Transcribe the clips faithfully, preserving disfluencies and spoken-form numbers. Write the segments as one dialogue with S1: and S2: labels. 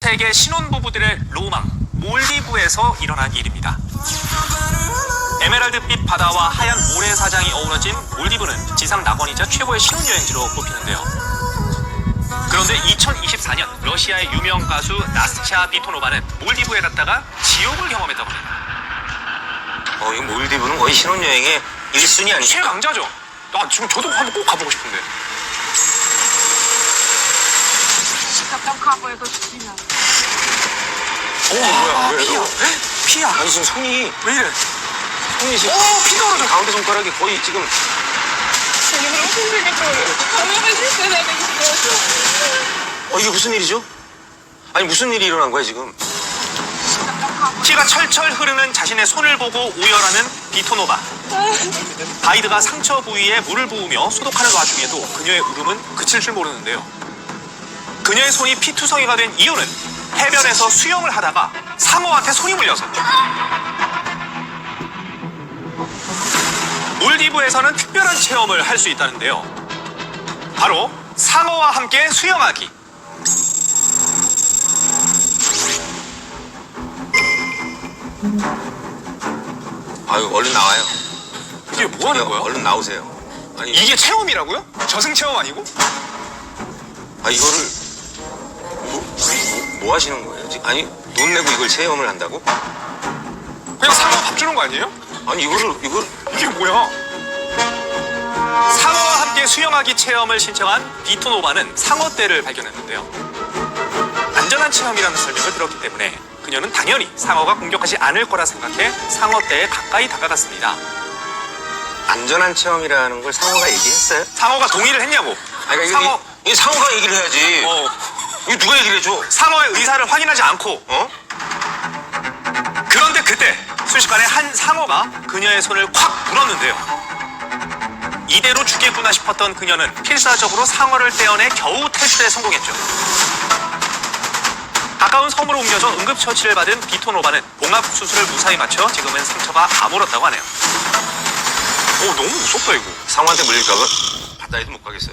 S1: 세계 신혼부부들의 로망, 몰디브에서 일어난 일입니다. 에메랄드빛 바다와 하얀 모래사장이 어우러진 몰디브는 지상 낙원이자 최고의 신혼여행지로 꼽히는데요. 그런데 이천이십사 년 러시아의 유명 가수 나스샤 비토노바는 몰디브에 갔다가 지옥을 경험했다고 합니다.
S2: 어, 이 몰디브는 거의 신혼여행의 일 순위 아니죠?
S1: 최강자죠. 아, 지금 저도 한번 꼭 가보고 싶은데.
S3: Там капает очень сильно.
S2: 어, 뭐야, 왜?
S1: 피야. 피야.
S2: 아니, 지금 손이,
S1: 왜 이래?
S2: 손이 지금.
S1: 오, 피가 흐르죠.
S2: 가운데 손가락이 거의 지금. 어, 이게 무슨 일이죠? 아니, 무슨 일이 일어난 거야, 지금?
S1: 피가 철철 흐르는 자신의 손을 보고 오열하는 비토노바. 가이드가 상처 부위에 물을 부으며 소독하는 와중에도 그녀의 울음은 그칠 줄 모르는데요. 그녀의 손이 피투성이가 된 이유는 해변에서 수영을 하다가 상어한테 손이 물려서. 몰디브에서는 특별한 체험을 할 수 있다는데요. 바로 상어와 함께 수영하기.
S2: 아유, 얼른 나와요.
S1: 이게 뭐 하는 거야?
S2: 얼른 나오세요. 아니,
S1: 이게 체험이라고요? 저승 체험 아니고?
S2: 아, 이거를. 뭐, 뭐, 뭐 하시는 거예요? 지금? 아니, 돈 내고 이걸 체험을 한다고?
S1: 그냥 상어 밥 주는 거 아니에요?
S2: 아니, 이거를, 이걸.
S1: 이게 뭐야? 상어와 함께 수영하기 체험을 신청한 비토노바는 상어떼를 발견했는데요. 안전한 체험이라는 설명을 들었기 때문에 그녀는 당연히 상어가 공격하지 않을 거라 생각해 상어떼에 가까이 다가갔습니다.
S2: 안전한 체험이라는 걸 상어가 얘기했어요?
S1: 상어가 동의를 했냐고.
S2: 아니, 그러니까
S1: 상어,
S2: 이게, 이게 상어가 얘기를 해야지.
S1: 어,
S2: 이거 누가 얘기를 해줘?
S1: 상어의 의사를 확인하지 않고.
S2: 어?
S1: 그런데 그때 순식간에 한 상어가 그녀의 손을 콱 물었는데요. 이대로 죽겠구나 싶었던 그녀는 필사적으로 상어를 떼어내 겨우 탈출에 성공했죠. 가까운 섬으로 옮겨져 응급처치를 받은 비토노바는 봉합수술을 무사히 마쳐 지금은 상처가 아물었다고 하네요. 오, 너무 무섭다 이거.
S2: 상어한테 물릴까봐 바다에도 못 가겠어요.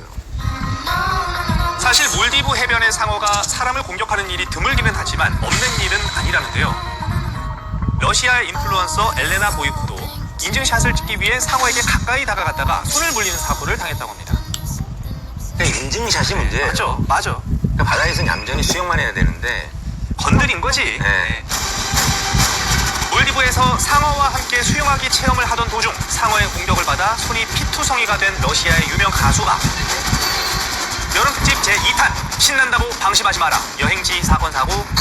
S1: 사실 몰디브 해변의 상어가 사람을 공격하는 일이 드물기는 하지만 없는 일은 아니라는데요. 러시아의 인플루언서 엘레나 보이코도 인증샷을 찍기 위해 상어에게 가까이 다가갔다가 손을 물리는 사고를 당했다고 합니다.
S2: 근데 인증샷이 문제예요.
S1: 맞죠, 맞아.
S2: 그러니까 바다에서는 얌전히 수영만 해야 되는데.
S1: 건드린 거지.
S2: 네.
S1: 몰디브에서 상어와 함께 수영하기 체험을 하던 도중 상어의 공격을 받아 손이 피투성이가 된 러시아의 유명 가수가 여름 특집 제이 탄 신난다고 방심하지 마라 여행지 사건 사고